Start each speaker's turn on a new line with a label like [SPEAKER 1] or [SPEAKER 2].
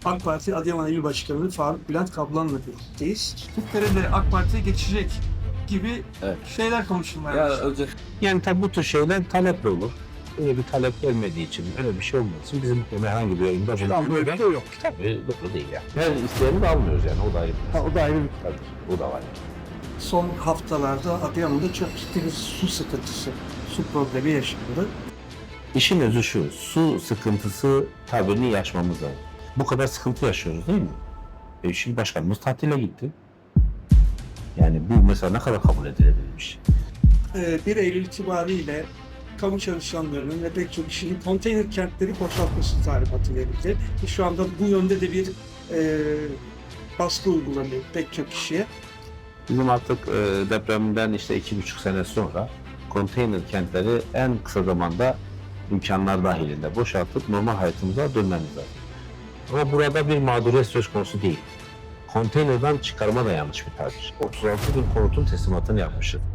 [SPEAKER 1] AK Parti Adıyaman İl Başkanı Faruk Bülent Kaplan'la birlikteyiz.
[SPEAKER 2] Kırklareli AK Parti'ye geçecek gibi
[SPEAKER 3] Evet.
[SPEAKER 2] şeyler konuşulmaya
[SPEAKER 3] Ya
[SPEAKER 2] başladı.
[SPEAKER 3] özel
[SPEAKER 4] Yani tabii bu tür şeyler taleple olur. Öyle bir talep gelmediği için, öyle bir şey olmadığı için bizim bu konuda herhangi bir yayında böyle bir şey yok. Tabii doğru değil yani. Her isteyeni de almıyoruz yani, o da ayrı.
[SPEAKER 1] O da ayrı bir
[SPEAKER 4] Tabii, o da var.
[SPEAKER 1] Son haftalarda Adıyaman'da çok ciddi bir su sıkıntısı, su problemi yaşandı.
[SPEAKER 4] İşin özü şu, su sıkıntısı tabirini yaşmamız lazım. Bu kadar sıkıntı yaşıyoruz değil mi? Şimdi başkanımız tatile gitti. Yani bu mesela ne kadar kabul edilebilmiş?
[SPEAKER 1] 1 Eylül itibariyle kamu çalışanlarının ve pek çok kişinin konteyner kentleri boşaltması talimatı verildi. Şu anda bu yönde de bir baskı uygulanıyor pek çok kişiye.
[SPEAKER 4] Bizim artık depremden işte 2,5 sene sonra konteyner kentleri en kısa zamanda imkanlar dahilinde boşaltıp normal hayatımıza dönmemiz lazım. Ama burada bir mağduriyet söz konusu değil. Konteynerden çıkarma da yanlış bir tabir. 36 bin konutun teslimatını yapmışız.